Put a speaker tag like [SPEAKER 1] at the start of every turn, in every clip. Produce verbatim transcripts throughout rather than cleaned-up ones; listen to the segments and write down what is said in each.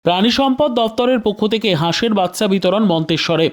[SPEAKER 1] প্রাণী সম্পদ দপ্তরের পক্ষ থেকে হাঁসের বাচ্চা বিতরণ মন্তেশ্বরে।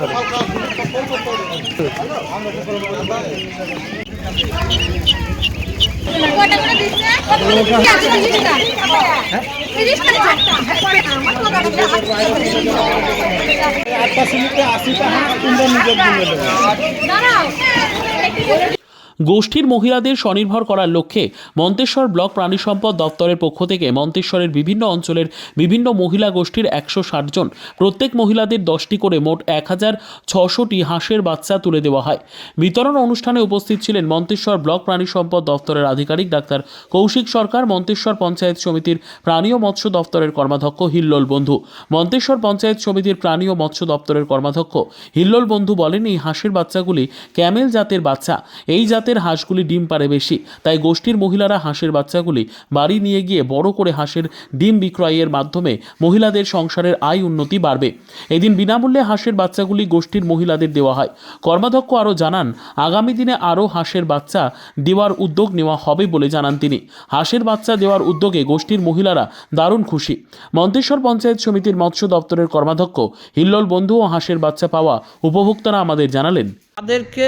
[SPEAKER 1] গোষ্ঠীর মহিলাদের স্বনির্ভর করার লক্ষ্যে মন্তেশ্বর ব্লক প্রাণী সম্পদ দপ্তরের পক্ষ থেকে মন্তেশ্বরের বিভিন্ন অঞ্চলের বিভিন্ন মহিলা গোষ্ঠীর একশো ষাট জন প্রত্যেক মহিলাদের দশটি করে মোট এক হাজার ছশোটি হাঁসের বাচ্চা তুলে দেওয়া হয়। বিতরণ অনুষ্ঠানে উপস্থিত ছিলেন মন্তেশ্বর ব্লক প্রাণী সম্পদ দপ্তরের আধিকারিক ডাক্তার কৌশিক সরকার, মন্তেশ্বর পঞ্চায়েত সমিতির প্রাণী ও মৎস্য দপ্তরের কর্মাধ্যক্ষ হিল্লোল বন্ধু। মন্তেশ্বর পঞ্চায়েত সমিতির প্রাণী ও মৎস্য দপ্তরের কর্মাধ্যক্ষ হিল্লোল বন্ধু বলেন, এই হাঁসের বাচ্চাগুলি ক্যামেল জাতের বাচ্চা। এই জাতের হাঁসগুলি ডিম পারে বেশি, তাই গোষ্ঠীর মহিলারা হাঁসের বাচ্চাগুলি বাড়ি নিয়ে গিয়ে বড় করে হাঁসের ডিম বিক্রয়ের মাধ্যমে মহিলাদের সংসারের আয় উন্নতি বাড়বে। এদিন বিনামূল্যে হাঁসের বাচ্চাগুলি গোষ্ঠীর মহিলাদের দেওয়া হয়। কর্মাধ্যক্ষ আরও জানান, আগামী দিনে আরও হাঁসের বাচ্চা দেওয়ার উদ্যোগ নেওয়া হবে বলে জানান তিনি। হাঁসের বাচ্চা দেওয়ার উদ্যোগে গোষ্ঠীর মহিলারা দারুণ খুশি। মন্তেশ্বর পঞ্চায়েত সমিতির মৎস্য দপ্তরের কর্মাধ্যক্ষ হিল্লোল বন্ধু ও হাঁসের বাচ্চা পাওয়া উপভোক্তারা আমাদের জানালেন।
[SPEAKER 2] তাদেরকে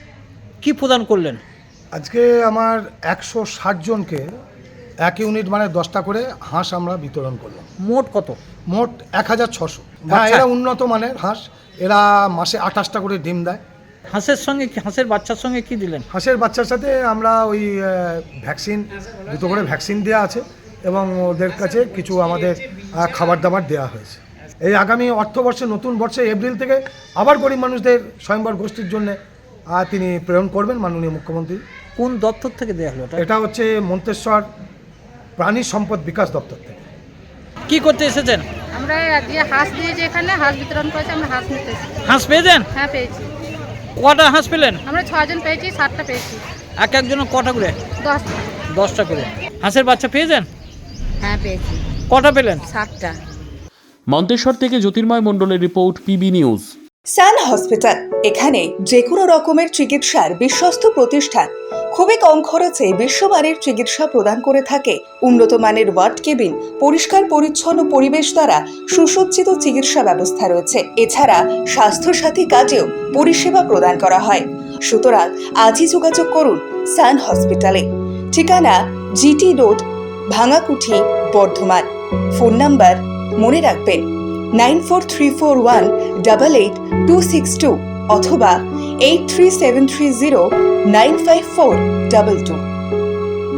[SPEAKER 2] কি প্রদান করলেন?
[SPEAKER 3] আজকে আমার একশো ষাট জনকে এক ইউনিট মানে দশটা করে হাঁস আমরা বিতরণ করলাম।
[SPEAKER 2] মোট কত?
[SPEAKER 3] মোট এক হাজার ছশো। হ্যাঁ, এরা উন্নত মানের হাঁস, এরা মাসে আঠাশটা করে ডিম দেয়।
[SPEAKER 2] হাঁসের সঙ্গে হাঁসের বাচ্চার সঙ্গে কি দিলেন?
[SPEAKER 3] হাঁসের বাচ্চার সাথে আমরা ওই ভ্যাকসিন, দুটো করে ভ্যাকসিন দেওয়া আছে এবং ওদের কাছে কিছু আমাদের খাবার দাবার দেওয়া হয়েছে। এই আগামী অর্থবর্ষে, নতুন বর্ষে এপ্রিল থেকে আবার গরিব মানুষদের স্বয়ংবর গোষ্ঠীর জন্য তিনি প্রেরণ করবেন মাননীয় মুখ্যমন্ত্রী।
[SPEAKER 2] কোন দপ্তর থেকে দেওয়া হলো?
[SPEAKER 3] এটা হচ্ছে মন্তেশ্বর প্রাণী সম্পদ বিকাশ দপ্তর থেকে।
[SPEAKER 2] কি করতে এসেছেন?
[SPEAKER 4] আমরা আজকে হাঁস দিয়েছি, এখানে হাঁস বিতরণ করেছি। আমরা হাঁস নিতে এসেছি।
[SPEAKER 2] হাঁস পেয়েছেন?
[SPEAKER 4] হ্যাঁ, পেয়েছি।
[SPEAKER 2] কটা হাঁস পেলেন?
[SPEAKER 4] আমরা ছজন পেয়েছি, সাতটা পেয়েছি।
[SPEAKER 2] এক একজনের কটা করে?
[SPEAKER 4] দশটা।
[SPEAKER 2] দশটা করে হাঁসের বাচ্চা পেয়েছেন?
[SPEAKER 4] হ্যাঁ, পেয়েছি।
[SPEAKER 2] কটা পেলেন?
[SPEAKER 4] সাতটা।
[SPEAKER 1] মন্তেশ্বর থেকে জ্যোতির্ময় মণ্ডলের report, PB news.
[SPEAKER 5] Sun hospital, এখানে যে কোনো রকমের চিকিৎসার বিশ্বস্ত প্রতিষ্ঠান। খুবই কম খরচে বিশ্বমানের চিকিৎসা প্রদান করে থাকে। উন্নত মানের ওয়ার্ড কেবিন, পরিষ্কার পরিচ্ছন্ন পরিবেশ দ্বারা সুসজ্জিত চিকিৎসা ব্যবস্থা রয়েছে। এছাড়া স্বাস্থ্য সাথী কাজেও পরিষেবা প্রদান করা হয়। সুতরাং আজই যোগাযোগ করুন সান হসপিটালে। ঠিকানা GT road, Bhangakuthi, Bardhaman. Phone number মনে রাখবেন nine four three four one double eight two six two অথবা eight three seven three zero nine five four double two.